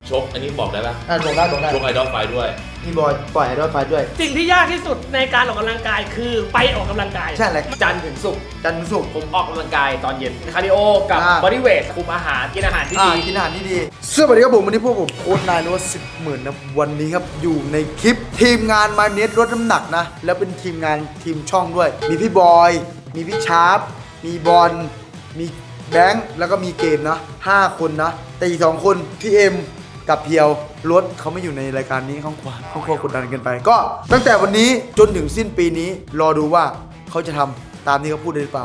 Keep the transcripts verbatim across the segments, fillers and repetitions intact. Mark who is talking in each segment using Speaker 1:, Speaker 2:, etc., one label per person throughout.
Speaker 1: ชกอันนี้บอกได้ปะ
Speaker 2: อ่าบอกได้บอกได้
Speaker 1: ชกไอดอลไฟด้วย
Speaker 2: พี่บอยปล่อยไอดอลไฟด้วย
Speaker 3: สิ่งที่ยากที่สุดในการออกกำลังกายคือไปออกกำลังกาย
Speaker 2: ใช่แหละ
Speaker 4: จันทร์ถึงศุกร์
Speaker 2: จันทร์ศุกร์
Speaker 4: ผมออกกำลังกายตอนเย็นคาร์ดิโอกับบอดี้เวทคุมอาหารกินอาหารที่
Speaker 2: อ่า
Speaker 4: ดี
Speaker 2: กินอาหารที่ดีสวัสดีครับผมวันนี้พวกผมโค้ชนายนวัดสิบหมื่นนะวันนี้ครับอยู่ในคลิปทีมงานมาเนสลดน้ำหนักนะแล้วเป็นทีมงานทีมช่องด้วยมีพี่บอยมีพี่ชาร์ปมีบอลมีแบงค์แล้วก็มีเกมนะห้าคนนะแต่อีกสองคนพี่เอ็มกับเพียวรถเขาไม่อยู่ในรายการนี้เขาขวานเขากดดันเกินไปก็ตั้งแต่วันนี้จนถึงสิ้นปีนี้รอดูว่าเขาจะทำตามที่เขาพูดได้หรือเปล่า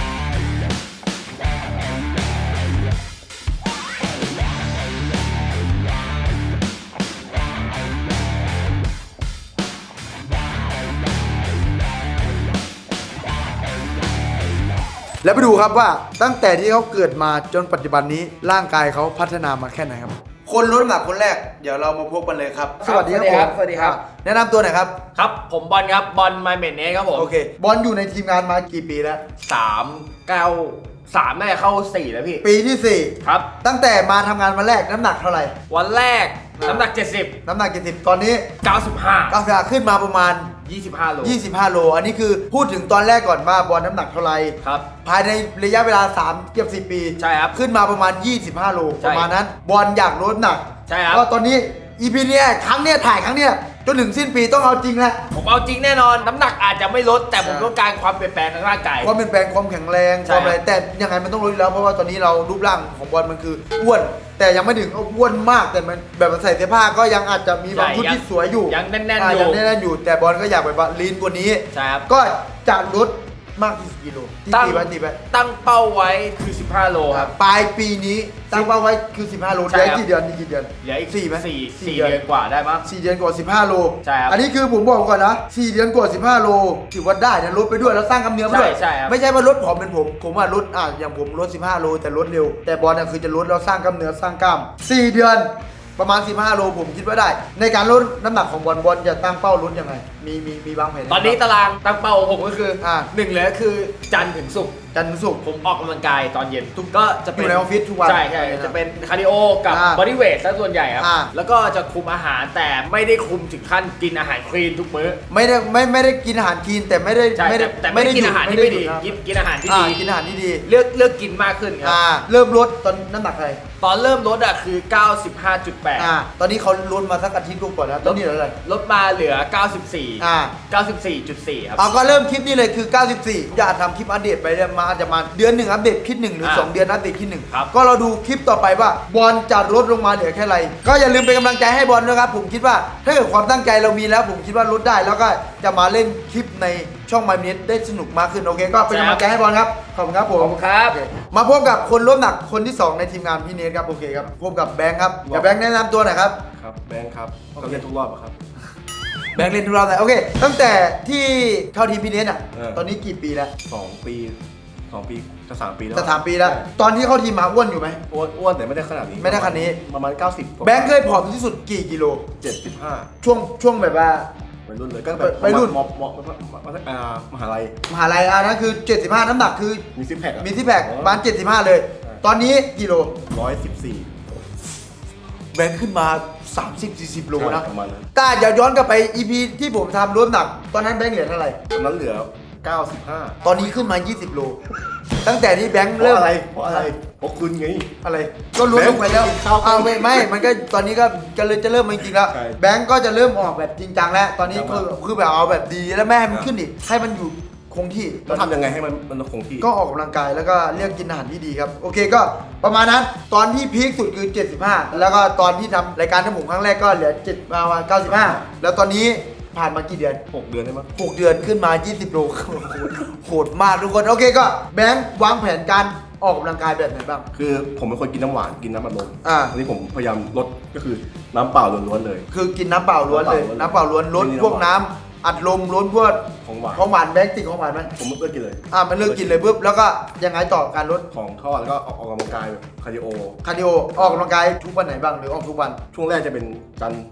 Speaker 2: แล้วไปดูครับว่าตั้งแต่ที่เขาเกิดมาจนปัจจุบันนี้ร่างกายเขาพัฒนามาแค่ไหนครับคนลดน้ำหนักคนแรกเดี๋ยวเรามาพบกันเลยครับสวัสดีครับ
Speaker 4: สวัสดีครับ
Speaker 2: แนะนำตัวหน่อยครับ
Speaker 4: ครับผมบอลครับบอลไมเมนเนสครับผม
Speaker 2: โอเคบอลอยู่ในทีมงานมากี่ปีแล้ว
Speaker 4: สามเก้าสามน่าจะเข้าสี่แล้วพี่
Speaker 2: ปีที่สี่
Speaker 4: ครับ
Speaker 2: ตั้งแต่มาทำงานวันแรกน้ำหนักเท่าไหร่
Speaker 4: วันแรกน้ำหนักเจ็ดสิบ
Speaker 2: น้ำหนักกี่สิบตอนนี้
Speaker 4: เก้าสิบห้า
Speaker 2: ก้าวขาขึ้นมาประมาณ
Speaker 4: ยี่สิบห้าโล
Speaker 2: ยี่สิบห้าโลอันนี้คือพูดถึงตอนแรกก่อนว่าบอลน้ำหนักเท่าไหร่
Speaker 4: ครับ
Speaker 2: ภายในระยะเวลาสามเกือบสี่ปี
Speaker 4: ใช่ครับ
Speaker 2: ขึ้นมาประมาณยี่สิบห้าโล
Speaker 4: ใช่
Speaker 2: ประมาณนั้นบอลอยากลดน้ำหนัก
Speaker 4: ใช่ครับ
Speaker 2: ก็ตอนนี้ อี พี เนี้ยครั้งเนี้ยถ่ายครั้งเนี้ยจนถึงสิ้นปีต้องเอาจริงแล้ว
Speaker 4: ผมเอาจริงแน่นอนน้ำหนักอาจจะไม่ลดแต่ผมต้องการความเปลี่ยนแปลงทางร่างกาย
Speaker 2: ความเปลี่ยนแปลงความแข็งแรงความอะไรแต่ยังไงมันต้องลดอยู่แล้วเพราะว่าตอนนี้เรารูปร่างของบอลมันคืออ้วนแต่ยังไม่ถึงอ้วนมากแต่มันแบบใส่เสื้อผ้าก็ยังอาจจะมีบางชุดที่สวยอยู่
Speaker 4: ยังแน่นๆอยู่
Speaker 2: ยังแน่นๆอยู่แต่บอลก็อยากแบบว่าลีนกว่านี้
Speaker 4: ใช่ครับ
Speaker 2: ก็จะลดมากที่สุดกิโลที่ตีไปตีไป
Speaker 4: ตั้งเป้าไว้คือสิบห้าโลครับ
Speaker 2: ปลายปีนี้ตั้งเป้าไว้คือสิบห้าโลเหลือกี่เดือนนี่กี่เดือน
Speaker 4: เหลืออีก
Speaker 2: สี่ไหม
Speaker 4: สี่สี่เดือนกว่าได้มั้ง
Speaker 2: สี่เดือนกว่าสิบห้าโล
Speaker 4: ใช่ครับ
Speaker 2: อันนี้คือผมบอกก่อนนะสี่เดือนกว่าสิบห้าโลถือว่าได้นะลดไปด้วยแล้วสร้างกล้ามเนื้อไปด้วย
Speaker 4: ใช่ครับ
Speaker 2: ไม่ใช่ว่าลดผอมเป็นผมผมว่าลดอ่ะอย่างผมลดสิบห้าโลแต่ลดเร็วแต่บอลน่ะคือจะลดแล้วสร้างกล้ามเนื้อสร้างกล้ามสี่เดือนประมาณสิบห้าโลผมคิดว่าได้ในการลดน้ำหนักของบอลบอลจะตั้งเป้าลดยังไงมีมีมีวางแผน
Speaker 4: ตอนนี้ตารางตั้งเป้าของผมก็คืออ่าหนึ่งเลยก็คือจันทร์ถึงศุกร์
Speaker 2: จันทร์ถึงศุกร์
Speaker 4: ผมออกกำลังกายตอนเย็นทุกก็จะเป็น
Speaker 2: อยู่ในออฟฟิศทุกวัน
Speaker 4: ใช่ใช่จะเป็นคาร์ดิโอกับบอดี้เวทซะส่วนใหญ่ครับแล้วก็จะคุมอาหารแต่ไม่ได้คุมถึงขั้นกินอาหารคลีนทุกมื้อ
Speaker 2: ไม่ได้ไม่ไม่ได้กินอาหารคลีนแต่ไม่ได้
Speaker 4: ไม่ได้แต่ไม่ได้กินอาหารที่ไม่ดีกินกินอาหารที่ดี
Speaker 2: กินอาหารที่ดี
Speaker 4: เลือกเลือกกินมากขึ้นครับ
Speaker 2: เริ่มลดตอนน้ำหนักอะไร
Speaker 4: ตอนเริ่มลดอ่ะคือ เก้าสิบห้าจุดแปด
Speaker 2: อ่าตอนนี้เขาลดมาสักอาทิตย์กว่าแล้วตอนนี้เหลืออะไร
Speaker 4: ลดมาเหลือเก้าสิบสี่
Speaker 2: อ่า
Speaker 4: เก้าสิบสี่จุดสี่ ครับ
Speaker 2: เอาก็เริ่มคลิปนี้เลยคือเก้าสิบสี่อย่าทำคลิปอัปเดตไปเรื่อยมาอาจจะมาเดือนหนึ่งอัปเดตคลิปหนึ่งหรือสองเดือนอัปเดตคลิปหนึ่งก็เราดูคลิปต่อไปว่าบอลจะลดลงมาเหลือแค่ไรก็อย่าลืมเป็นกำลังใจให้บอลนะครับผมคิดว่าถ้าเกิดความตั้งใจเรามีแล้วผมคิดว่าลดได้แล้วก็จะมาเล่นคลิปในช่อง My Minute ได้สนุกมากขึ้นโอเคก็เป็นกำลังใจให้บอลครับขอบคุณครับผม
Speaker 4: ขอบคุณครับ
Speaker 2: มาพบกับคนลดหนักคนที่สองในทีมงานพี่เนทครับโอเคครับพบกับแบงค์ครับเดี๋ยวแบงค์แนะนำตัวหน่อยครับ
Speaker 1: ครับแบงค์ครับก็เล่นทุกรอบครับ
Speaker 2: แบงค์เล่นทุกรอบเลยโอเคตั้งแต่ที่เข้าทีมพี่เนทอ่ะตอนนี้กี่ปีแล้ว
Speaker 1: สองปีสองปีจะสามปีแล้ว
Speaker 2: จะสามปีแล้วตอนที่เข้าทีมมาอ้วนอยู่ไหม
Speaker 1: อ้วนอ้วนแต่ไม่ได้ขนาดนี้
Speaker 2: ไม่ได้ขนาดนี้
Speaker 1: ประมาณเก้าสิบ
Speaker 2: แบงค์เคยผอมที่สุดกี่กิโล
Speaker 1: เจ็ดสิบห้า
Speaker 2: ช่วงช่วงแบบว่า
Speaker 1: วัยรุ่นเลยก็แบบ
Speaker 2: วัยรุ่น
Speaker 1: มมมหาลัย
Speaker 2: มหาลัยอ่ะนั่นคือเจ็ดสิบห้าน้ำหนักคือ
Speaker 1: มีซิปแพค
Speaker 2: มีซิปแพคประมาณเจ็ดสิบห้าเลยตอนนี้กิโล
Speaker 1: ร้อยสิบสี่
Speaker 2: แบงค์ขึ้นมาสามสิบ สี่สิบโลนะ
Speaker 1: ประมาณนั้น
Speaker 2: ถ้าอย่าย้อนกลับไป อี พี ที่ผมทำลดหนักตอนนั้นแบงค์เหลือเท่าไหร่
Speaker 1: ตอนนั้นเหลือเก้าสิบห้า
Speaker 2: ตอนนี้ขึ้นมายี่สิบโลตั้งแต่ที่แบงค์เริ่ม
Speaker 1: อะไรเพราะอะไรเพราะคุณไง
Speaker 2: อะไรก็ลดลงไปแล้วเอาไม่ไม่มันก็ตอนนี้ก็จะเลยจะเริ่มจริงๆแล้วแบงค์ก็จะเริ่มออกแบบจริงจังแล้วตอนนี้คือคือแบบเอาแบบดีแล้วแม่ให้มันขึ้นอีกให้มันอยู่คงที่
Speaker 1: แล้วทำยังไงให้มันมันคงที่
Speaker 2: ก็ออกกำลังกายแล้วก็เลือกกินอาหารที่ดีครับโอเคก็ประมาณนั้นตอนที่พีคสุดคือเจ็ดสิบห้าแล้วก็ตอนที่ทำรายการทั้งหมดครั้งแรกก็เหลือเจ็ดมาเก้าสิบห้าแล้วตอนนี้ผ่านมากี่เดือน
Speaker 1: หกเดือนได้มั้ย
Speaker 2: หกเดือนขึ้นมายี่สิบโลโหดมากทุกคนโอเคก็แบงค์วางแผนการออกกำลังกายแบบไหนบ้าง
Speaker 1: คือผมเป็นคนกินน้ำหวานกินน้ำอัดลม
Speaker 2: อ่า
Speaker 1: อันนี้ผมพยายามลดก็คือน้ำเปล่าล้วนๆเลย
Speaker 2: คือกินน้ำเปล่าล้วนเลยน้ำเปล่าล้วนลดพวกน้ำอัดลมล้วนพวก
Speaker 1: ของหวาน
Speaker 2: ของหวานแบงค์ติดของหวานไหม
Speaker 1: ผมเลิกกินเลย
Speaker 2: อ่ามันเลิกกินเลยปุ๊บแล้วก็ยังไงต่อการลด
Speaker 1: ของทอดแล้วก็ออกกำลังกายแบบคาร์ดิโอ
Speaker 2: คาร์ดิโอออกกำลังกายทุกวันไหนบ้างหรือออกทุกวัน
Speaker 1: ช่วงแรกจะเป็นจันทร์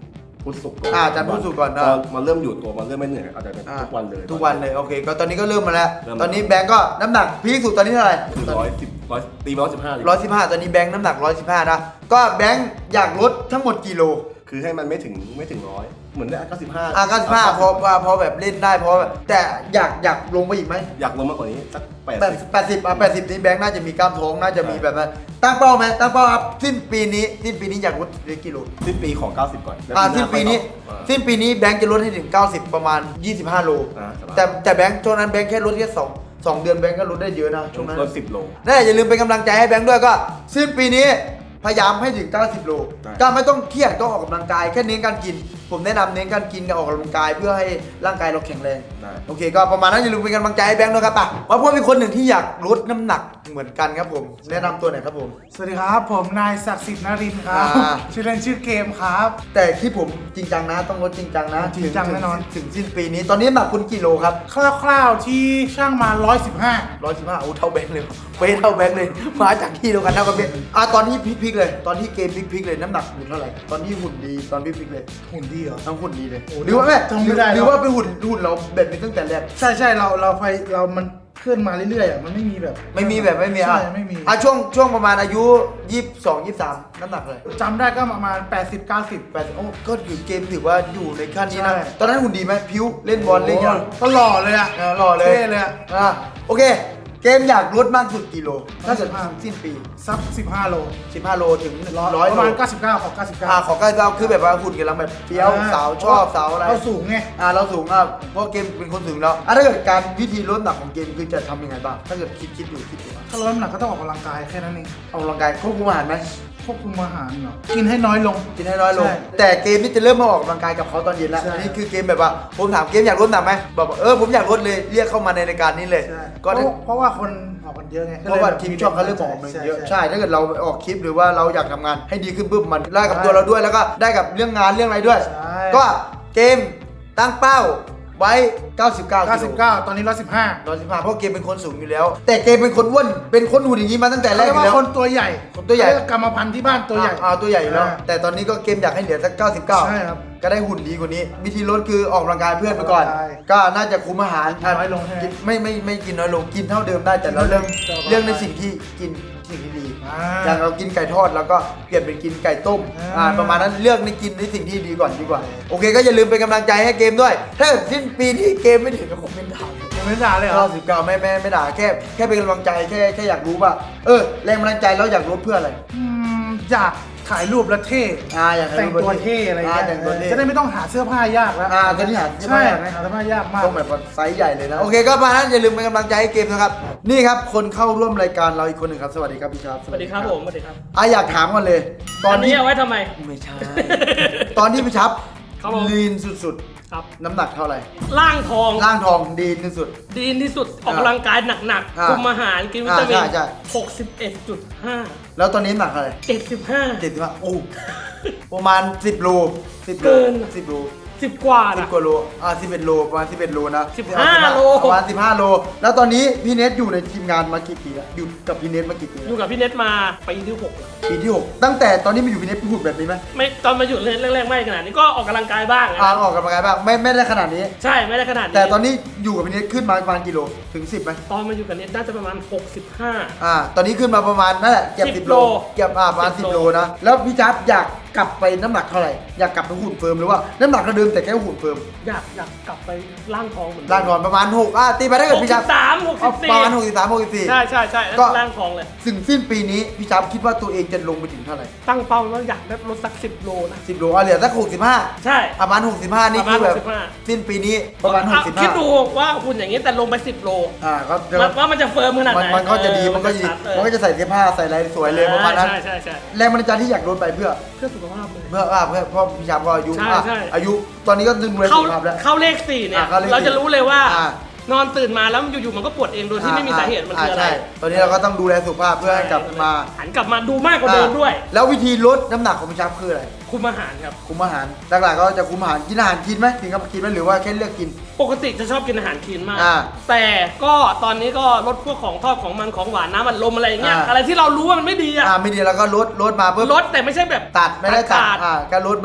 Speaker 1: พุธศุกร์ก่อน
Speaker 2: อ่าจันทร์พุธศุกร์ก่อน
Speaker 1: พ
Speaker 2: นะ
Speaker 1: อมันเริ่มอยู่ตัวมันเริ่มไม่เหนื่อยอาจจะเป็นทุกวันเลย
Speaker 2: ทุกวันเลยโอเคก็ตอนนี้ก็เริ่มมาแล้ว
Speaker 1: เริ่ม
Speaker 2: ตอนนี้แบงก์ก็น้ำหนักพีคสุดตอนนี้เท่าไหร่
Speaker 1: คือร้อยสิบร้อยตีมาร้อยสิบห้าเลย
Speaker 2: ร้อยสิบห้าตอนนี้แบงค์น้ำหนักร้อยสิบห้านะก็แบงค์อยากลดทั้งหมดกี่โล
Speaker 1: คือให้มันไม่ถึงไม่ถึงร้อยเหมือนได้เก้าสิบห้า
Speaker 2: อ่ะเก้าสิบห้าพอพอพอแบบเล่นได้พอแบบแต่อยากอยากลงไปอีกไหม
Speaker 1: อยากลงมากกว่านี้สักแปด
Speaker 2: แปด
Speaker 1: สิบ
Speaker 2: แปดสิบอ่ะแปดสิบนี้แบงค์น่าจะมีกล้ามท้องน่าจะมีแบบนั้นตั้งเป้าไหมตั้งเป้าครับสิ้นปีนี้สิ้นปีนี้อยากลดได้กี่โล
Speaker 1: สิ้นปีของเก้าสิบก่อนแล้ว
Speaker 2: อ่า
Speaker 1: ห
Speaker 2: สิ้นปีนี้
Speaker 1: ค่อยต่อ
Speaker 2: สิ้นปีนี้แบงค์จะลดให้ถึงเก้าสิบประมาณยี่สิบห้าโล
Speaker 1: อ่าสบาย
Speaker 2: แต่แต่แบงค์ช่วงนั้นแบงค์แค่ลดแค่สองสองเดือนแบงค์ก็ลดได้เยอะนะช่วงนั้น
Speaker 1: ลดสิบโล
Speaker 2: นั่นแหละอย่าลืมเป็นกำลังใจให้แบงค์ด้วยก็สิ้นปีนี้พยายามให้ถึงเก้าสิบโล
Speaker 1: ได้
Speaker 2: ก็ไม่ต้องเครียดก็ออกกำลังกายแค่เน้นการกิน ผมแนะนำเน้นการกินกับออกกำลังกายเพื่อให้ร่างกายเราแข็งแรง
Speaker 1: ได้
Speaker 2: โอเคก็ประมาณนั้นอย่าลืมเป็นกำลังใจให้แบงค์ด้วยครับป่ะมาพูดเป็นคนหนึ่งที่อยากลดน้ำหนักเหมือนกันครับผมแนะนำตัวหน่อยครับผม
Speaker 5: สวัสดีครับ ผมนายศักดิ์สิทธิ์นรินทร์ครับ
Speaker 2: อ่า
Speaker 5: ชื่อเล่นชื่อเกมครับ
Speaker 2: แต่ที่ผมจริงจังนะต้องลดจริงจังนะ
Speaker 5: จริงจังแน่นอน
Speaker 2: ถึงสิ้นปีนี้ตอนนี้น้ำหนักคุณกี่โลครับ
Speaker 5: คร่าวๆที่ช่างมาร้อยสิบห้า
Speaker 2: ร้อยสิบห้าโอ้เท่าแบงค์เลยเป๊ะเท่าแบงค์เลยมาจากที่เดียวกันเท่ากับเบงอ่ะตอนที่พลิกๆเลย ตอนที่เกมพลิกๆเลยน้ำหนักอยู่เท่าไหร่ตอนที่หุ่นดีตอนพลิกๆเลย
Speaker 5: หุ่นดีเหรอ
Speaker 2: ทั้งหุ่นดีเลย
Speaker 5: โอ้
Speaker 2: หรือว่าแม่
Speaker 5: จำไม่ได้
Speaker 2: หรือ
Speaker 5: แล้ว
Speaker 2: ว่าเป็นหุ่นหุ่นเราแบบนี้ตั้งแต่แรก
Speaker 5: ใช่ใช่เราเราไปเรามันเคลื่อนมาเรื่อยๆอ่ะมันไม่มีแบบ
Speaker 2: ไม่มีแบบไม่มีอ่ะ
Speaker 5: ใช่ไม่มี
Speaker 2: อ่ะช่วงช่วงประมาณอายุยี่สิบสอง ยี่สิบสามน้ำหนักเลย
Speaker 5: จำได้ก็ประมาณ แปดสิบ เก้าสิบ
Speaker 2: แปดโอ้ก็อยู่เกมถือว่าอยู่ในขั้นนี้นะ
Speaker 5: ใช่
Speaker 2: ตอนนั้นหุ่นดีไหมพิ้วเล่นบอลเล่นยัง
Speaker 5: ก็หล่อเลยอ่ะ
Speaker 2: เออหล่อเลย
Speaker 5: เท่เลยอ่ะ
Speaker 2: อ่ะโอเค เกมอยากลดมากสุดกี่โลถ้าเกิด
Speaker 5: สิบห้า
Speaker 2: สิ้นปี
Speaker 5: สักสิบห้าโล
Speaker 2: สิบห้าโลถึงร้อย
Speaker 5: ประ
Speaker 2: โล
Speaker 5: มาณเก้าสิบเก้าของเก้าสิบเก้า
Speaker 2: อ่าขอใกล้เราคือแบบว่าหุ่นกำลังแบบเฟี้ยวสาวชอบสาวอะไร
Speaker 5: เราสูงไง
Speaker 2: อ่าเราสูงอ่ะเพราะเกมเป็นคนสูงแล้วอ่ะถ้าเกิดการวิธีลดน้ำหนักของเกมคือจะทำยังไงบ้างถ้าเกิดคิดคิดอยู่คิดอยู่อ่ะ
Speaker 5: ถ้าลดน้ำหนักก็ต้องออกกำลังกายแค่นั้นเอง
Speaker 2: ออกกำลังกายควบคุมอาหารไหม
Speaker 5: ควบคุมอาหารเหรอกินให้น้อยลง
Speaker 2: กินให้น้อยลง
Speaker 5: ใช่
Speaker 2: แต่เกมนี่จะเริ่มมาออกกำลังกายกับเขาตอนเย็นแล้ว
Speaker 5: ใช่
Speaker 2: อันนี้คือเกมแบบว่าผมถามเกมอยากลดน้ำหนักไหมบอกว่าเออผมอยากลดเลยเรียกเข้ามาในรายการนี้เลย
Speaker 5: ใช่
Speaker 2: ก็
Speaker 5: เพ
Speaker 2: ได้
Speaker 5: ราะเพราะว่าคนออกกันเยอะไง
Speaker 2: เพราะว่าทีมช่องเขาเริ่มออกมาเยอะใช่ถ้าเกิดเราออกคลิปหรือว่าเราอยากทำงานให้ดีขึ้นปุ๊บมันได้กับตัวเราด้วยแล้วก็ได้กับเรื่องงานเรื่องอะไรด้วย
Speaker 5: ใช่
Speaker 2: ก็เกมตั้งเป้าไว้ เก้าสิบเก้า
Speaker 5: เก้าสิบเก้าตอนนี้ร้อยสิบห้า
Speaker 2: ร้อยสิบห้าเพราะเกมเป็นคนสูงอยู่แล้ว แต่เกมเป็นคนอ้วนเป็นคนหุ่นอย่างนี้มาตั้งแต่แร
Speaker 5: เรี
Speaker 2: ก
Speaker 5: ย
Speaker 2: อก ยู่
Speaker 5: ว่า
Speaker 2: แล้ว
Speaker 5: คนตัวใหญ่
Speaker 2: คนตัวใหญ่
Speaker 5: เรียกกรรมพันธุ์ที่บ้านตัวใหญ่
Speaker 2: อ่าตัวใหญ่อยู่แล้ว
Speaker 5: อ่า
Speaker 2: แต่ตอนนี้ก็เกมอยากให้เหลือสักเก้าสิบเก้า
Speaker 5: ใช่ครับ
Speaker 2: ก็ได้หุ่นดีกว่านี้ วิธีลดคือออกกำลังกายเพื่อนไปก่อน
Speaker 5: ออกกำลังกาย
Speaker 2: ก็น่าจะคุมอาหาร
Speaker 5: กินน้อยลงใช่ไหม
Speaker 2: กินไม่ไม่ไม่กินน้อยลงกินเท่าเดิมได้แต่เราเรื่อง
Speaker 5: แต่ว่า
Speaker 2: เรื่องในสิ่งที่กินสิ่งที่ดี
Speaker 5: อ่า
Speaker 2: อย่างเรากินไก่ทอดแล้วก็เปลี่ยนเป็นกินไก่ต้ม
Speaker 5: อ่า
Speaker 2: อ่าประมาณนั้นเลือกในกินในสิ่งที่ดีก่อนดีกว่า โอเคก็อย่าลืมเป็นกำลังใจให้เกมด้วย ถ้าเกิดสิ้นปีนี้เกมไม่ถึงก็คงเป็นด่า
Speaker 5: ยังไม่ด่าเลยเหร
Speaker 2: เก้า
Speaker 5: อ
Speaker 2: สิบเก้าไม่ไม่ไม่ด่าแค่แค่เป็นกำลังใจแค่แค่อยากรู้ว่าเออแรงบันดาลใจแล้วอยากลดเพื่ออะไร
Speaker 5: อืมอยากถ่ายรูปแล้วเท่
Speaker 2: อ่าอยากให้
Speaker 5: แต่ง
Speaker 2: รูป
Speaker 5: ตัวเท่อะไรอย่างเงี้ย
Speaker 2: แต่งตัวเท่
Speaker 5: จะได้ไม่ต้องหาเสื้อผ้ายากแล้ว
Speaker 2: อ่าตอนนี้หา
Speaker 5: ใช่
Speaker 2: ไหม
Speaker 5: หาเสื้อผ้ายากมาก
Speaker 2: ต้องแบบว่าไซส์ใหญ่เลยนะโอเคก็มานั้นอย่าลืมเป็นกำลังใจให้เกมนะครับนี่ครับคนเข้าร่วมรายการเราอีกคนหนึ่งครับสวัสดีครับพี่ชาร์ป
Speaker 3: สวัสดีครับผมสวัสดีครับ
Speaker 2: อ่ะอยากถามก่อนเลย ตอน
Speaker 3: อัน
Speaker 2: นี้
Speaker 3: นี้เอาไว้ทำไม
Speaker 2: ไม่ใช่ ตอนที่พี่ชับ
Speaker 3: ครับผม
Speaker 2: ลีนสุด
Speaker 3: ครับ
Speaker 2: ๆ น้ำหนักเท่าไหร่
Speaker 3: ร่างทอง
Speaker 2: ร่างทองดีนที่สุด
Speaker 3: ดีที่สุดออกกำลังกายหนัก
Speaker 2: อ่า
Speaker 3: ๆคุมอาหารกินวิตามิน
Speaker 2: อ่าใช่ใช่
Speaker 3: หกสิบเอ็ดจุดห้า
Speaker 2: แล้วตอนนี้น้ำหนักเท่าไหร่
Speaker 3: เจ็ดสิบห้า
Speaker 2: เจ็ดสิบห้าโอ้ประมาณสิบโลสิบโล
Speaker 3: เกิน
Speaker 2: สิบโล
Speaker 3: สิบกว่า
Speaker 2: สิบ
Speaker 3: นะ
Speaker 2: กว่าโลอ่าสิบเอ็ดโลประมาณสิบเอ็ดโลนะ
Speaker 3: สิบห้าโล
Speaker 2: ประมาณสิบห้าโล แล้วตอนนี้พี่เนทอยู่ในทีมงานมากี่ปีแล้วอยู่กับพี่เนทมากี่ปี
Speaker 3: อ
Speaker 2: แล้ว
Speaker 3: ยู่กับพี่เน็ตมาปีที่หกแล้ว
Speaker 2: ปีที่หกตั้งแต่ตอนนี้มาอยู่พี่เนทพูดแบบนี้ไหม
Speaker 3: ไม่ตอนมาอยู่แรกๆไม่ขนาดนี้ก็ออกกำลังกายบ้างนะ
Speaker 2: อ่าออกกำลังกายบ้างไม่ไม่ได้ขนาดนี้
Speaker 3: ใช่ไม่ได้ขนาดนี้
Speaker 2: แต่ตอนนี้อยู่กับพี่เนทขึ้นมาประมาณกิโลถึงสิบไหม
Speaker 3: ตอนมาอยู่กับเน็ตน่าจะประมาณหกสิบห้า
Speaker 2: อ่าตอนนี้ขึ้นมาประมาณนั่นแหละเกือบ
Speaker 3: สิ
Speaker 2: สิ
Speaker 3: บบ
Speaker 2: โล
Speaker 3: โล
Speaker 2: เกือบอ่าประมาณ
Speaker 3: สิ
Speaker 2: สิ
Speaker 3: บบ โล
Speaker 2: โลนะแล้วพี่จับอยากกลับไปน้ำหนักเท่าไหร่อยากกลับไปหุ่นเฟิร์มหรือว่าน้ำหนักเดิมแต่แค่หุ่นเฟิร์ม
Speaker 3: อยากอยากกลับไปร่างทองเหมือนเดิม
Speaker 2: ร่างนอนประมาณหกอ่ะตีไปได้
Speaker 3: ห
Speaker 2: เกิด
Speaker 3: ก
Speaker 2: พี่
Speaker 3: สิ
Speaker 2: จับบ
Speaker 3: สามหกสิบสี่
Speaker 2: ประมาณหกสิบสามหกสิบสี่
Speaker 3: ใช่ใช่ใช่แล้ว
Speaker 2: ก็
Speaker 3: ร่างทองเลย
Speaker 2: ถึงสิ้นปีนี้พี่จับคิดว่าตัวเองจะลงไปถึงเท่าไหร่
Speaker 3: ตั้งเป้าว่าอยากได้ลดสักสิบโลนะ
Speaker 2: สิบโลอ่ะเหลือสักหกสิบห้า
Speaker 3: ใช่
Speaker 2: ประมาณหกสิบห้านี่
Speaker 3: ประมาณ
Speaker 2: คือแบบ
Speaker 3: หกสิบห้า
Speaker 2: สิ้นปีนี้ประมาณหกสิบ
Speaker 3: คิ
Speaker 2: ห้า
Speaker 3: ดดูว่าคุณอย่างนี้แต่ลงไปสิบโล
Speaker 2: อ่าก็จะ
Speaker 3: ว่าว่ามันจะเฟิร์มขนาด
Speaker 2: มั
Speaker 3: ไห
Speaker 2: น
Speaker 3: น
Speaker 2: มันก็จะดีมันก็จะดี
Speaker 3: ชัดเลย
Speaker 2: มันก็จะใส่เสื้อผ้าใส่อะไรสวยเลยประมาณนั้น
Speaker 3: ใช่ใช่ใช่
Speaker 2: แรงบันดาลใจที่อยากลดไปเพื่อ
Speaker 3: เพื่อสุขภาพเลย
Speaker 2: เพื่ออ่าเพื่อเพราะพี่ชามก็อายุ
Speaker 3: ใช่
Speaker 2: อ่ะ
Speaker 3: ใช่
Speaker 2: อายุตอนนี้ก็ดึงเลย
Speaker 3: เข้า
Speaker 2: สุขภาพแล้ว
Speaker 3: เข้าเลขสี่เนี่ย
Speaker 2: อ่าเข้าเลขสี่
Speaker 3: เราจะรู้เลยว่า
Speaker 2: อ่า
Speaker 3: นอนตื่นมาแล้วอยู่ๆมันก็ปวดเองโดยที่ไม่มีสาเหตุมันคืออะไร
Speaker 2: ใช่ตอนนี้เราก็ต้องดูแลสุขภาพเพื่อให้กลับมา
Speaker 3: หันกลับมาดูมากกว่าเดิมด้วย
Speaker 2: แล้ววิธีลดน้ำหนักของพี่ชามคืออะไร
Speaker 3: คุมอาหารครับ
Speaker 2: คุมอาหารหลักๆก็จะคุมอาหารกินอาหารกินไหมกินกับกินไหมหรือว่าแค่เลือกกิน
Speaker 3: ปกติจะชอบกินอาหารคลีนมาก
Speaker 2: อ่า
Speaker 3: แต่ก็ตอนนี้ก็ลดพวกของทอดของมันของหวานน้ำมันลมอะไรอย่างเงี้ย
Speaker 2: อ่า
Speaker 3: อะไรที่เรารู้ว่ามันไม่ดีอะ
Speaker 2: อ่าไม่ดีแล้วก็ลดลดมาเพื่อ
Speaker 3: ลดแต่ไม่ใช่แบบ
Speaker 2: ตัดไม่ได้ตัด
Speaker 3: ขาด
Speaker 2: อ่าก็ลดบ้าง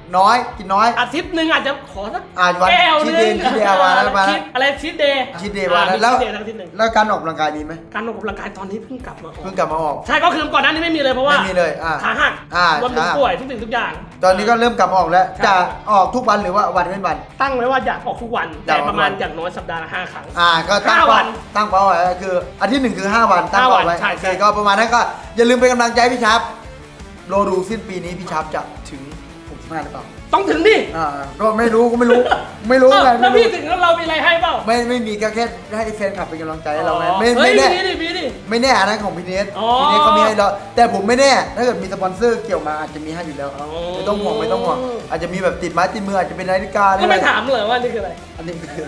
Speaker 2: น้อยกินน้อย
Speaker 3: อาทิตย์หนึ่งอาจจะขอสัก
Speaker 2: อ่าวัน
Speaker 3: แก้ว
Speaker 2: ชี
Speaker 3: ห
Speaker 2: ท
Speaker 3: นึ
Speaker 2: เด
Speaker 3: ง
Speaker 2: ย์ชีทเดย์มาแล้วมาแล้ว
Speaker 3: ชีทอะไรชีทเดย์
Speaker 2: ชีทเดย์มาแล้วแล้ว
Speaker 3: ชีทเดย์ทั้งอาทิตย์หนึ่ง
Speaker 2: แล้วการออกกำลังกายดีไหม
Speaker 3: การออกกำลังกายตอนนี้เพิ่งกลับมาออก
Speaker 2: เพิ่งกลับมาออก
Speaker 3: ใช่ก็คือก่อนหน้านี้ไม่มีเลยเพราะว่า
Speaker 2: ไม่มีเลยอ่า
Speaker 3: ขาหัก
Speaker 2: อ่าร
Speaker 3: วมถึง
Speaker 2: ขาหัก
Speaker 3: ป่วยทุกสิ่งทุกอย่าง
Speaker 2: ตอนนี้ก็เริ่มกลับมาออกแล้ว
Speaker 3: ใช่
Speaker 2: จะออกทุกวันหรือว่าวันเว้นวัน
Speaker 3: ตั้งไว้ว่าอยากออกทุกวัน
Speaker 2: อยาก
Speaker 3: แต่
Speaker 2: ออกทุกวัน
Speaker 3: ประมาณอย่างน้อยสัปดาห์ละห้าครั้ง
Speaker 2: อ่าก็ตั้ง
Speaker 3: ห้าวั
Speaker 2: เป้าน ตั้งเป้าไว้คืออาทิตย์หนึ่งคือห้าวันตั้ง
Speaker 3: ห้าวั
Speaker 2: เป้าน ไว้
Speaker 3: ใช่
Speaker 2: โอ
Speaker 3: ใช่
Speaker 2: เคก็ประมาณนั้นก็อย่าลืมเป็นกำลังใจให้พี่ชับโลดูสิ้นปีนี้พี่ชับจะถึงหกสิบห้าหรือเปล่า
Speaker 3: ต้องถึงดิ
Speaker 2: อ่าก็ไม่รู้ก็ไม่รู้ ไม่รู้
Speaker 3: เอ้า
Speaker 2: ไง
Speaker 3: แล้
Speaker 2: ไม่
Speaker 3: ว
Speaker 2: รู้
Speaker 3: พี่ถึงแล้วเรามีอะไรให้เปล่า
Speaker 2: ไม่ไม่มีก็แค่ให้แฟนคลับเป็นกำลังใจให้เราไง
Speaker 3: อ๋อ
Speaker 2: ไม่
Speaker 3: เฮ้
Speaker 2: ไม่
Speaker 3: ย
Speaker 2: แน่
Speaker 3: มีดิมีดิ
Speaker 2: ไม่แน่อันนั้นของพี่เนส
Speaker 3: อ๋อ
Speaker 2: พี่เนสเขามีให้เราแต่ผมไม่แน่ถ้าเกิดมีสปอนเซอร์เกี่ยวมาอาจจะมีให้อยู่แล้ว
Speaker 3: อ๋อ
Speaker 2: ไม่ต้องห่วงไม่ต้องห่วงอาจจะมีแบบติดไม้ติดมืออาจจะเป็นนาฬิกาหรือ
Speaker 3: ก็
Speaker 2: อะไร
Speaker 3: ไม่ถามเลยว่านี่คืออะไร
Speaker 2: อันนี้คือ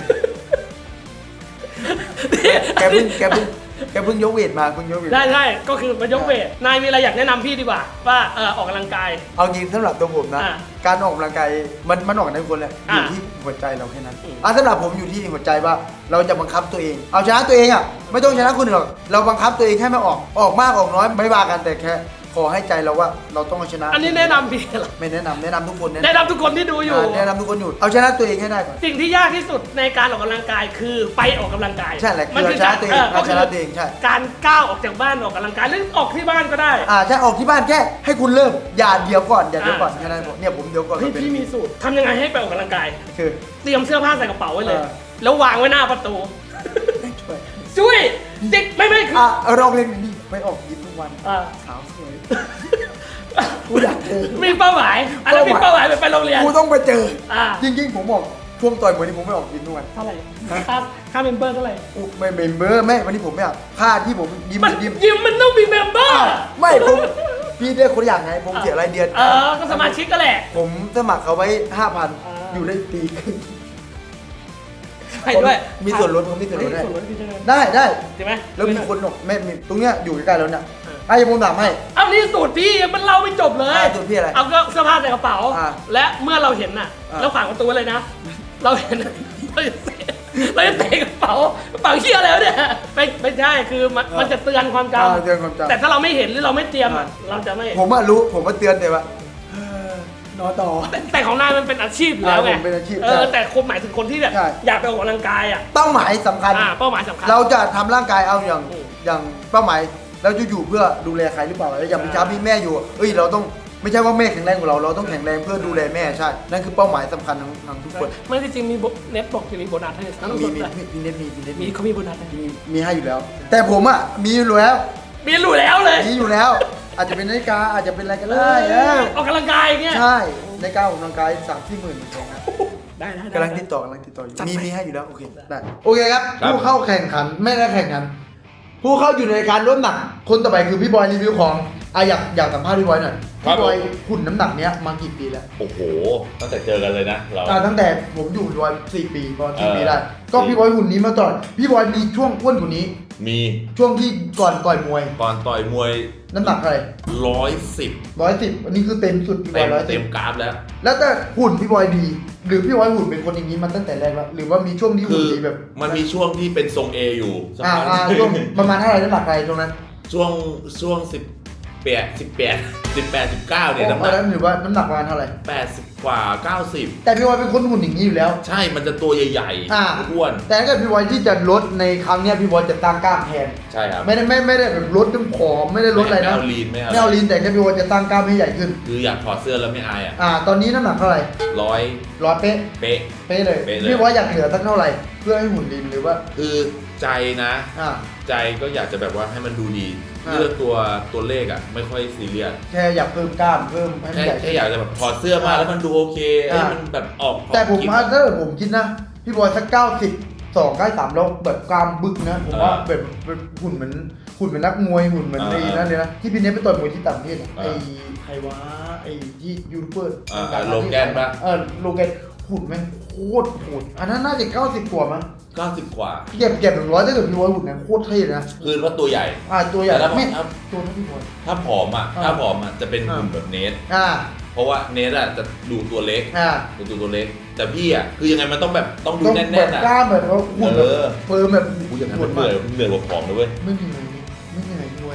Speaker 2: แกเพิ่งแกเพิ่งแกเพิ่งยกเวทมาเพิ่งยกเวท
Speaker 3: ได้ใช่ก็คือมายกเวทนายมีอะไรอยากแนะนำพี่ดีกว่า ว่าเออออกกำลังกาย
Speaker 2: เอาจริงสำหรับตัวผมนะ
Speaker 3: อ่ะ
Speaker 2: การออกกำลังกายมันมันออกได้ทุกคนแหละอ
Speaker 3: อ่ะ
Speaker 2: ยู่ที่หัวใจเราแค่นั้น
Speaker 3: อืม
Speaker 2: อ่ะสำหรับผมอยู่ที่หัวใจว่าเราจะบังคับตัวเอง เอาชนะตัวเองอ่ะไม่ต้องชนะคนอื่นหรอกเราบังคับตัวเองแค่ไม่ออกออกมากออกน้อยไม่ว่ากันแต่แค่ขอให้ใจเราว่าเราต้องเอาชนะ
Speaker 3: อันนี้แนะนำพี่เหรอ
Speaker 2: ไม่แนะนำแนะนำทุกคนแนะ
Speaker 3: แนะ
Speaker 2: นำ
Speaker 3: นำทุกคนที่ดูอยู่
Speaker 2: อ่ะแนะนำทุกคนอยู่เอาชนะตัวเองให้ได้ก่อน
Speaker 3: สิ่งที่ยากที่สุดในการออกกำลังกายคือไปออกกำลังกาย
Speaker 2: ใช่แหละคือ
Speaker 3: มัน
Speaker 2: เอาชนะตัวเอง
Speaker 3: ก็
Speaker 2: เอา
Speaker 3: คื
Speaker 2: ชนะตัวเองใช่
Speaker 3: การก้าวออกจากบ้านออกกำลังกายหรือออกที่บ้านก็ได้
Speaker 2: อ่าใช่ออกที่บ้านแค่ให้คุณเริ่มอย่าเดี๋ยวก่อนอย่าเดี๋ยวก่อน
Speaker 3: อ่ะ
Speaker 2: แค่นั้นผมเนี่ยผมเดี๋ยวก่อน
Speaker 3: เฮ้ย
Speaker 2: เป็น
Speaker 3: พี่มีสูตรทำยังไงให้ไปออกกำลังกาย
Speaker 2: คือ
Speaker 3: เตรียมเสื้อผ้าใส่กระเป๋าไว้เลย
Speaker 2: เออ
Speaker 3: แล้ววางไว้หน้าประตู
Speaker 2: ช่วย
Speaker 3: ช่วยเด็กไม่ไม่คือ
Speaker 2: อ่ะเราเรียนนี่ไปออกยิมทุกวัน
Speaker 3: อ่า
Speaker 2: สาวสวยกูอยากเจอ
Speaker 3: มีเป้าหมายอันนั้นมีเป้าหมายไปไปโรงเรียน
Speaker 2: กูต้องไปเจอ
Speaker 3: อ่า
Speaker 2: จริงๆผมบอกช่วงต่อยมวยนี่ผมไม่ออกยิมทุกวัน
Speaker 3: เท่าไหร่ค่าค่าเมมเบอร์เท่าไหร่
Speaker 2: อุ๊ยไม่เมมเบอร์ไม่วันนี้ผมไม่เอาค่าที่ผมยิม
Speaker 3: มัน
Speaker 2: ยิม
Speaker 3: ยิมมันต้องมีเมมเบอร์
Speaker 2: อ้าวไม่ผมพี่ได้คนละอย่างไงผมเสียรายเดือน
Speaker 3: เออก็สมาชิกก็แหละ
Speaker 2: ผมสมัครเขาไว้ห้าพัน
Speaker 3: อ่า
Speaker 2: อยู่ได้ปีครึ่ง
Speaker 3: ใช่ด้วย
Speaker 2: มีส่วนลดผมมีส่วนลด
Speaker 3: เฮ้
Speaker 2: ให้
Speaker 3: ยส่วนลดพี่ใช่ไหม
Speaker 2: ได้ได้
Speaker 3: ใช่ไหม
Speaker 2: แล้วมีคนบอกแม่มีตรงเนี้ยอยู่ใกล้ๆแล้วเนี่ย
Speaker 3: เออ
Speaker 2: ไอ้ผมถามให้
Speaker 3: เอานี่สูตรพี่มันเล่าไม่จบเลย
Speaker 2: อ่าสูตรพี่อะไร
Speaker 3: เอาก็เสื้อผ้าใส่กระเป๋า
Speaker 2: อ่า
Speaker 3: และเมื่อเราเห็นน่ะ
Speaker 2: อ่า
Speaker 3: แล้วขวางประตูไว้เลยนะ เราเห็นน่ะเราจะเตะเราจะเตะกระเป๋ากระเป๋าเชี่ยอะไรวะเนี่ยไม่ไม่ใช่คือมันมันจะเตือนความจ
Speaker 2: อ่าเตือนความ
Speaker 3: ำ
Speaker 2: จำ
Speaker 3: แต่ถ้าเราไม่เห็นหรือเราไม่เตรียมอ่ะ
Speaker 2: อ่า
Speaker 3: เราจะไม่
Speaker 2: ผมอะรู้ผมมาเตือนแต่ว่าเออนอนต่อ
Speaker 3: แต่แต่ของนายมันเป็นอาชีพอยู่แล้วไง
Speaker 2: อ่าผมเป็นอาชีพ
Speaker 3: เออ
Speaker 2: ใช่
Speaker 3: แต่คนหมายถึงคนที่แบบ
Speaker 2: ใช่
Speaker 3: อยากไปออกกำลังกายอ่ะ
Speaker 2: เป้าหมายสำคัญ
Speaker 3: อ่าเป้าหมายสำคัญ
Speaker 2: เราจะทำร่างกายเอาอย่าง
Speaker 3: อืม
Speaker 2: อย่างเป้าหมายเราจะอยู่เพื่อดูแลใครหรือเปล่าแล้วอย่างพี่ช้ามีแม่อยู่เอ้ยเราต้องไม่ใช่ว่าแม่แข็งแรงกว่าเราเราต้องแข็งแรงเพื่อดูแลแม่ใช่นั่นคือเป้าหมายสำคัญของของทุกคน
Speaker 3: ไม่ได้จริงมีโบเน็ตบอกจะมีโบนัสให้ทั้ง
Speaker 2: มี
Speaker 3: สุด
Speaker 2: มี
Speaker 3: เลย
Speaker 2: มีพี่เน็ตมีพี่เน็ต
Speaker 3: มี
Speaker 2: มี
Speaker 3: เขามีโบนัสให้
Speaker 2: มีมีให้อยู่แล้ว แต่ผมอ่ะมีอยู่แล้ว
Speaker 3: มีรู้แล้วเลย
Speaker 2: มีอยู่แล้ว อาจจะเป็นนาฬิกาอาจจะเป็นอะไรก็ได้เออ
Speaker 3: ออกกำลังกายอย่างเงี้ย
Speaker 2: ใช่นาฬิกาออกกำลังกายสามสี่หมื่นเหมือนกันนะ
Speaker 3: ได้ได้ได้
Speaker 2: กำลังติดต่อกำลังติดต่ออยู่
Speaker 3: จัด
Speaker 2: มี
Speaker 3: ไป
Speaker 2: มีให้อยู่แล้วโอเคได้โอเคครับ
Speaker 6: ครับ
Speaker 2: ผู้เข้าแข่งขันไม่ได้แข่งขัน ผู้เข้าอยู่ในการลดน้ำหนัก คนต่อไปคือพี่บอยรีวิวของอ่ะอยากอยากสัมภาษณ์พี่บอยหน่อยพี่บอยหุ่นน้ำหนักเนี้ยมากี่ปีแล้ว
Speaker 6: โอ้โห ตั้งแต่เจอกันเลยนะ เรา
Speaker 2: อ่าตั้งแต่ผมอยู่พี่บอยสี่ปีประมาณสี่
Speaker 6: เออ
Speaker 2: ปีได้ ก็
Speaker 6: สี่
Speaker 2: พี่บอยหุ่นนี้มาตลอดพี่บอยมีช่วงอ้วนกว่านี้
Speaker 6: มี
Speaker 2: ช่วงที่ก่อนต่อยมวย
Speaker 6: ก่อนต่อยมวย
Speaker 2: น้ำหนักเท่าไหร่
Speaker 6: ร้อยสิบ
Speaker 2: ร้อยสิบอันนี้คือเต็มสุดพี่บ
Speaker 6: เต็
Speaker 2: อย
Speaker 6: ม
Speaker 2: ร้อยสิ
Speaker 6: เต็
Speaker 2: บ
Speaker 6: มกราฟแล้ว
Speaker 2: แล้วแต่หุ่นพี่บอยดี หรือพี่บอยหุ่นเป็นคนอย่างนี้มาตั้งแต่แรกแล้วหรือว่ามีช่วงที่
Speaker 6: คื
Speaker 2: หุ่น
Speaker 6: อ
Speaker 2: ดีแบบ
Speaker 6: มันมีช่วงที่เป็นทรงเออยู่สัก
Speaker 2: อ่า
Speaker 6: พัก
Speaker 2: อ่าช่วงประมาณเท่าไหร่น้ำหนักอะไรตรงนั้น
Speaker 6: ช่วงช่วงสิบแปดสิบแปดสิบแปดสิบเก้าเนี่ยน้ำห
Speaker 2: ตอน
Speaker 6: นัก
Speaker 2: นั้นหรือว่าน้ำหนักประมาณเท่าไหร่
Speaker 6: แปดสิบกว่าเก้าสิบ
Speaker 2: แต่พี่บอยเป็นคนหุ่นอย่างนี้อยู่แล้ว
Speaker 6: ใช่มันจะตัวใหญ่
Speaker 2: อ่า
Speaker 6: ๆอ้วน
Speaker 2: แต่ถ้าเกิดพี่บอยที่จะลดในครั้งเนี้ยพี่บอยจะตั้งกล้ามแทน
Speaker 6: ใช่ครับ
Speaker 2: ไม่ได้ไม่ไม่ได้แบบลดจนผอมไม่ได้ลดอะไร
Speaker 6: ไม่
Speaker 2: นะ
Speaker 6: เอาลีนไม่เอา
Speaker 2: ไม่เอาลีนแต่แค่พี่บอยจะตั้งกล้ามให้ใหญ่ขึ้น
Speaker 6: คืออยากถอดเสื้อแล้วไม่อายอ่ะ
Speaker 2: อ่า ตอนนี้น้ำหนักเท่าไหร่
Speaker 6: ร้อย
Speaker 2: ร้อยเป๊ะ
Speaker 6: เป๊ะ
Speaker 2: เป๊ะเลย
Speaker 6: เป๊ะเลย
Speaker 2: พี่บอยอยากเหลือสักเท่าไหร่เพื่อให้หุ่นลีนหรือว่า
Speaker 6: คือใจนะ
Speaker 2: อ่า
Speaker 6: ใจก็อยากจะแบบว่าให้มันดูดี
Speaker 2: อ่า
Speaker 6: เรื่องตัวตัวเลขอ่ะไม่ค่อยซีเรียส
Speaker 2: แค่อยากเพิ่มกล้ามเพิ่มให้มัน
Speaker 6: แค่
Speaker 2: ใหญ่
Speaker 6: แค่อยากจะแบบถอดเสื้อมาแล้วมันดูโอเค
Speaker 2: อ่า
Speaker 6: ให้มันแบบออก
Speaker 2: แต่ผม
Speaker 6: ออก
Speaker 2: ว่าถ้าเกิดผมคิดนะ พี่บอยสักเก้าสิบสองใกล้สามแล้วแบบกล้ามบึกนะ ผมว่าแบบแบบหุ่นเหมือนหุ่นเหมือนนักมวยหุ่นเหมือนไอ้นั่นเลยนะที่พี่เนทไปต่อยมวยที่ต่างประเทศอะไอ้ใครวะไอ้ที่ยูทูบเบอร์
Speaker 6: อ่าอ่าโลแกนปะ
Speaker 2: เออโลแกนหุ่นแม่งโคตรโหดอันนั้นน่าจะเก้าสิบกว่ามั้ง
Speaker 6: เก้าสิบกว่า
Speaker 2: เก็บเก็บหนึ่งร้อยถ้าเกิดพี่บอยหุ่นนั้นโคตรเท่เลยนะ
Speaker 6: คือว่าตัวใหญ่
Speaker 2: อ่าตัวใหญ่
Speaker 6: แต่ถ้า
Speaker 2: ไม่
Speaker 6: ถ้า
Speaker 2: ตัวเท่าพี่บอย
Speaker 6: ถ้าผอมอ่ะ
Speaker 2: อ่า
Speaker 6: ถ้าผอมอ่ะจะเป็น
Speaker 2: อ่า
Speaker 6: หุ่นแบบเนส
Speaker 2: อ่า
Speaker 6: เพราะว่าเนสอ่ะจะดูตัวเล็ก
Speaker 2: อ่า
Speaker 6: ดูตัวเล็ก แต่พี่อ่ะคือยังไงมันต้องแบบต้องดู
Speaker 2: ต้อง
Speaker 6: แน่
Speaker 2: แบบ
Speaker 6: นๆอ่ะ
Speaker 2: กล้ามแบบว่าหุ่นแบบ
Speaker 6: เออ
Speaker 2: เฟิร์มแบบ
Speaker 6: กูอย่างนั้นมันเหนื่อยเหนื่อยกว่าผอมนะเว้ย
Speaker 2: ไม่เหนื่อยไม่เหนื่อยรวยงั้น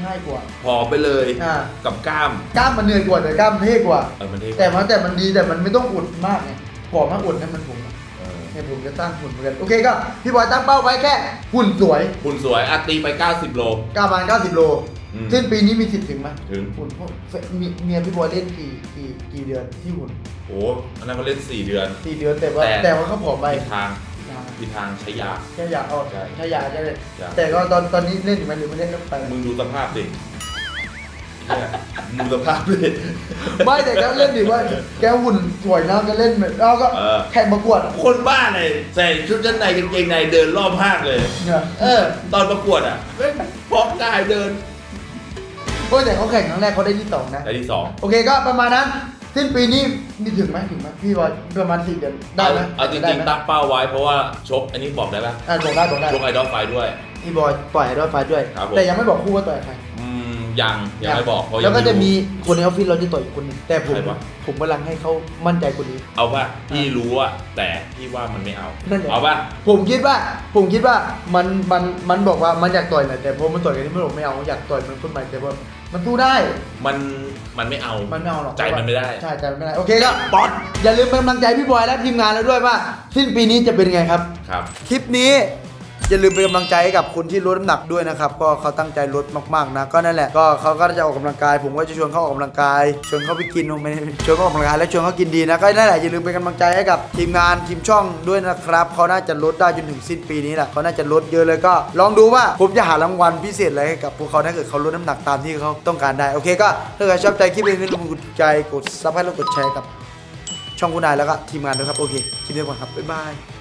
Speaker 2: ง่ายกว่า
Speaker 6: ผอมไปเลย
Speaker 2: อ่า
Speaker 6: กับกล้าม
Speaker 2: กล้ามมันเหนื่อยกว่าแต่กล้ามเท่กว่า
Speaker 6: เออมันเท่
Speaker 2: แต่มันแต่มันดีแต่มันไม่ต้องอุดมากไงผอมมากอุดนั่นมันผม
Speaker 6: เออ
Speaker 2: เนี่ยผมจะตั้งหุ่นเหมือนกันโอเคก็พี่บอยตั้งเป้าไว้แค่หุ่นสวย
Speaker 6: หุ่นสวยอะตีไป เก้าสิบ โล
Speaker 2: กล้ามประมาณเก้าสิบโล
Speaker 6: อืม
Speaker 2: สิ้นปีนี้มีสิทธิ์ถึงไหม
Speaker 6: ถึง
Speaker 2: หุ่นพวกมีเมียพี่บอยเล่นกี่กี่กี่เดือนที่หุ่น
Speaker 6: โอ้อันนั้นเขาเล่น สี่ เดือน
Speaker 2: สี่เดือนแต่ว่า
Speaker 6: แต่
Speaker 2: แต่ว่าเขาผอมไป
Speaker 6: มีทางมีทางใช้ยา
Speaker 2: แค่อยากเอา
Speaker 6: ใช่
Speaker 2: ถ้าอยากจะเล่น
Speaker 6: อยาก
Speaker 2: แต่ก็ตอนตอนนี้เล่นอยู่ไหมหรือไม่เล่นก็ไป
Speaker 6: มึงดูสภาพดิเนี่ยมึงดูสภาพดิ
Speaker 2: ไม่แต่ก็เล่นดิว่าแกหุ่นสวยนะก็เล่นแบบเราก็
Speaker 6: เออ
Speaker 2: แข่งประกวด
Speaker 6: คนบ้าไหนใส่ชุดชั้นในกางเกงในเดินรอบห้างเลย
Speaker 2: เนี่ย
Speaker 6: เออ ตอนประกวดอ่ะเล่นพร้อมกายเดิน
Speaker 2: โอ้ยแต่เขาแข่งครั้งแรกเขาได้ที่สองนะ
Speaker 6: ได้ที่สอง
Speaker 2: โอเคก็ประมาณนั้นสิ้นปีนี้มีถึงไหมถึงไหมพี่บอยประมาณสี่เดือนได้ไหม
Speaker 6: เอาจ
Speaker 2: ได้
Speaker 6: ริง
Speaker 2: ไหม
Speaker 6: ๆตั้งเป้าไว้เพราะว่าชกอันนี้บอกได้ปะ
Speaker 2: อ่ะบอกได้บอกได้
Speaker 6: ชกไอดอลไฟด้วย
Speaker 2: พี่บอยปล่อยให้ด้วยไฟด้วย
Speaker 6: ครับผม
Speaker 2: แต่ยังไม่บอกคู่ว่าต่อยใคร
Speaker 6: อืมยังยังไม่บอกเพราะ
Speaker 2: แล้วก็
Speaker 6: ยังไรู้
Speaker 2: จะมีคนในออฟฟิศเราจะต่อยอีกคนหนึงแต่ผม
Speaker 6: ใครวะ
Speaker 2: ผมกำลังให้เขามั่นใจคนนี้
Speaker 6: เอาป่ะพี่รู้อะแต่พี่ว่ามันไม่เอา
Speaker 2: นั่นแหละ
Speaker 6: เอาป่ะ
Speaker 2: ผมคิดว่าผมคิดว่ามันมันมันบอกว่ามันอยากต่อยแหละแต่พอมันต่อยกันที่มันบอกไม่เอาอยากต่อยมันคนใหม่แต่ว่ามันสู้ได้
Speaker 6: มันมันไม่เอา
Speaker 2: มันไม่เอาหรอก
Speaker 6: ใจมันไม่ได้
Speaker 2: ใช่ใจมันไม่ได้โอเคก็บอสอย่าลืมเป็นกำลังใจพี่บอยและทีมงานเราด้วยว่าสิ้นปีนี้จะเป็นไงครับ
Speaker 6: ครับ
Speaker 2: คลิปนี้อย่าลืมเป็นกำลังใจให้กับคนที่ลดน้ำหนักด้วยนะครับก็เขาตั้งใจลดมากๆนะก็นั่นแหละก็เขาก็จะออกกำลังกาย ผมก็จะชวนเขาออกกำลังกายชวนเขาไปกินไม่ได้ชวนเขาออกกำลังกายและชวนเขากินดีนะก็นั่นแหละอย่าลืมเป็นกำลังใจให้กับทีมงานทีมช่องด้วยนะครับเขาน่าจะลดได้จนถึงสิ้นปีนี้แหละเขาน่าจะลดเยอะเลยก็ ลองดูว่าผมจะหารางวัลพิเศษอะไรให้กับพวกเขาถ้าเกิดเขาลดน้ำหนักตามที่เขาต้องการได้โอเคก็ถ้าเกิดชอบใจคลิปนี้อย่าลืมกดใจกดซับให้แล้วกดแชร์กับช่องคุณนายแล้วก็ทีมงานด้วยครับโอเคคลิปนี้ก่อนครับบ๊ายบาย